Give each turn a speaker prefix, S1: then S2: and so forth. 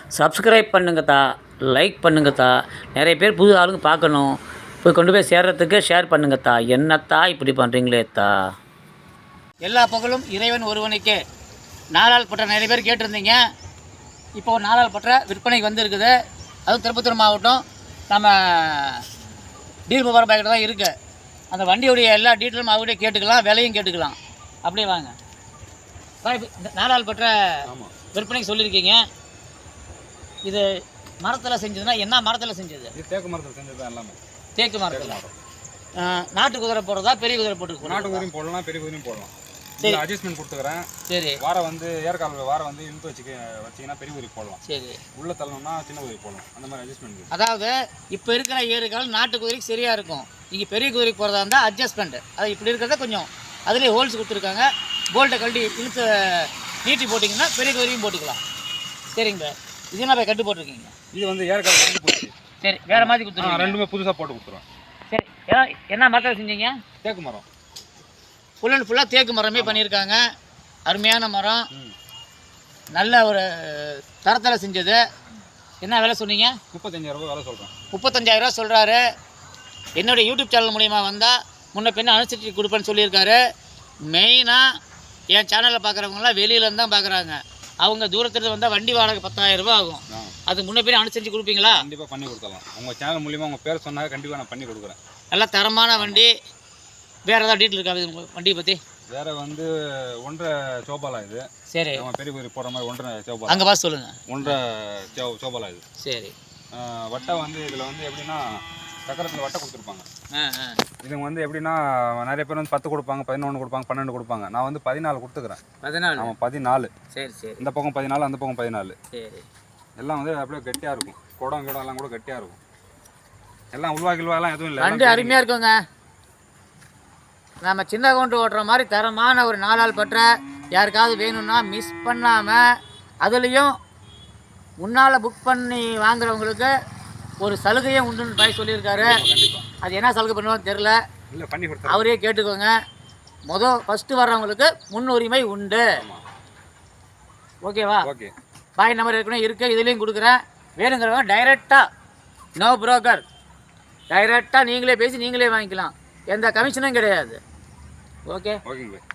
S1: Subscribe பண்ணுங்கத்தா, like பண்ணுங்கத்தா. நிறைய பேர் புது ஆளுங்க பார்க்கணும். போய் கொண்டு போய் சேர்றதுக்கு ஷேர் பண்ணுங்கத்தா. என்னத்தா இப்படி பண்ணுறீங்களேத்தா? எல்லா புகழும் இறைவன் ஒருவனுக்கே. நாலாள் பற்ற நிறைய பேர் கேட்டிருந்தீங்க. இப்போ நாலாள் பற்ற விற்பனைக்கு வந்திருக்குது. அதுவும் திருப்பத்தூர் மாவட்டம் நம்ம டீல் முபாரக் பாய்கிட்ட தான் இருக்குது. அந்த வண்டியுடைய எல்லா டீட்டெயிலும் அவங்ககிட்ட கேட்டுக்கலாம், விலையும் கேட்டுக்கலாம். அப்படியே வாங்க. நாலாள் பற்ற விற்பனைக்கு சொல்லியிருக்கீங்க. இது மரத்தில் செஞ்சதுன்னா என்ன மரத்தில் செஞ்சது?
S2: தேக்கு மரத்தில் செஞ்சது எல்லாமே.
S1: தேக்கு மரத்தில். நாட்டு குதிரை போடுறதா பெரிய குதிரை போட்டு?
S2: நாட்டு குதிரையும் போடலாம், பெரிய குதிரையும் போடலாம். சரி, அட்ஜஸ்ட்மெண்ட் கொடுத்துக்கிறேன். சரி, வாரம் வந்து ஏற்கால வாரம் வந்து இழுத்து வச்சிங்கன்னா பெரிய குதிரை போடலாம். சரி, உள்ள தள்ளணும்னா சின்ன குதிரை போடலாம். அந்த மாதிரி அட்ஜஸ்ட்மெண்ட்.
S1: அதாவது இப்போ இருக்கிற ஏறுகால் நாட்டு குதிரைக்கு சரியாக இருக்கும். இங்கே பெரிய குதிரைக்கு போகிறதா இருந்தால் அட்ஜஸ்ட்மெண்ட். அது இப்படி இருக்கிறத கொஞ்சம் அதுலேயே ஹோல்ஸ் கொடுத்துருக்காங்க. போல்ட்டை கழட்டி இழுத்து நீட்டி போட்டிங்கன்னா பெரிய குதிரையும் போட்டுக்கலாம். சரிங்க. இது என்ன கட்டு போட்டிருக்கீங்க?
S2: இது வந்து ஏற்கால வந்து போச்சு.
S1: சரி, வேறு மாதிரி கொடுத்துருவோம்.
S2: ரெண்டுமே புதுசாக போட்டு கொடுத்துருவோம்.
S1: சரி, என்ன மரத்தில் செஞ்சீங்க?
S2: தேக்கு மரம்.
S1: ஃபுல் அண்ட் ஃபுல்லாக தேக்கு மரமே பண்ணியிருக்காங்க. அருமையான மரம், நல்ல ஒரு தரத்தில் செஞ்சது. என்ன விலை சொன்னீங்க?
S2: 35,000 ரூபா விலை சொல்கிறேன்.
S1: 35,000 ரூபா சொல்கிறாரு. என்னுடைய யூடியூப் சேனல் மூலிமா வந்தால் முன்ன பின்ன அனுசரித்து கொடுப்பேன்னு சொல்லியிருக்காரு. மெயினாக என் சேனலில் பார்க்குறவங்களாம் வெளியிலேருந்து தான் பார்க்குறாங்க. அவங்க தூரத்துலேருந்து வந்தால் வண்டி வாடகை 10,000 ரூபா ஆகும். அதுக்கு முன்ன பின்ன அனுசரித்து கொடுப்பீங்களா?
S2: கண்டிப்பாக பண்ணி கொடுத்துடலாம். உங்கள் சேனல் மூலிமா உங்கள் பேர் சொன்னாங்க, கண்டிப்பாக நான் பண்ணி கொடுக்குறேன்.
S1: நல்லா தரமான வண்டி. வேறு ஏதாவது டீட்டெயில் இருக்காது உங்கள் வண்டியை பற்றி?
S2: வேறு வந்து 1.5 சோபாலா இது. சரி, நம்ம பெரிய குதிரை போடுற மாதிரி 1.5 சோபாலா.
S1: அங்கே பார்த்து சொல்லுங்கள்.
S2: 1.5 சோபாலா இது. சரி, வட்டை வந்து இதில் வந்து எப்படின்னா சக்கரத்தில் வட்டை கொடுத்துருப்பாங்க. இதுங்க வந்து எப்படின்னா நிறைய பேர் வந்து 10 கொடுப்பாங்க, 11 கொடுப்பாங்க, 12 கொடுப்பாங்க. நான் வந்து 14 கொடுத்துக்கிறேன். 14? ஆமாம், 14. சரி சரி. இந்த பக்கம் 14, அந்த பக்கம் 14. சரி. எல்லாம் வந்து அப்படியே கெட்டியாக இருக்கும். குடம் எல்லாம் கூட கெட்டியாக இருக்கும். எல்லாம் உள்வாக்கில்வாலாம் எதுவும் இல்லை.
S1: வண்டி அருமையாக இருக்குங்க. நம்ம சின்ன கவுண்டர் ஓட்டுற மாதிரி தரமான ஒரு நாலாள் பற்ற யாருக்காவது வேணும்னா மிஸ் பண்ணாமல், அதுலேயும் முன்னால் புக் பண்ணி வாங்குறவங்களுக்கு ஒரு சலுகையும் உண்டுன்னு பாய் சொல்லியிருக்காரு. அது என்ன சலுகை பண்ணுவான்னு தெரில, அவரே கேட்டுக்கோங்க. ஃபஸ்ட்டு வர்றவங்களுக்கு முன்னுரிமை உண்டு. ஓகேவா? ஓகே. பாய் நம்பர் ஏற்கனவே இருக்குது, இதுலேயும் கொடுக்குறேன். வேணுங்கிறவங்க டைரெக்டாக, நோ புரோக்கர், டைரெக்டாக நீங்களே பேசி நீங்களே வாங்கிக்கலாம். எந்த கமிஷனும் கிடையாது. ஓகே.
S2: ஓகேங்க.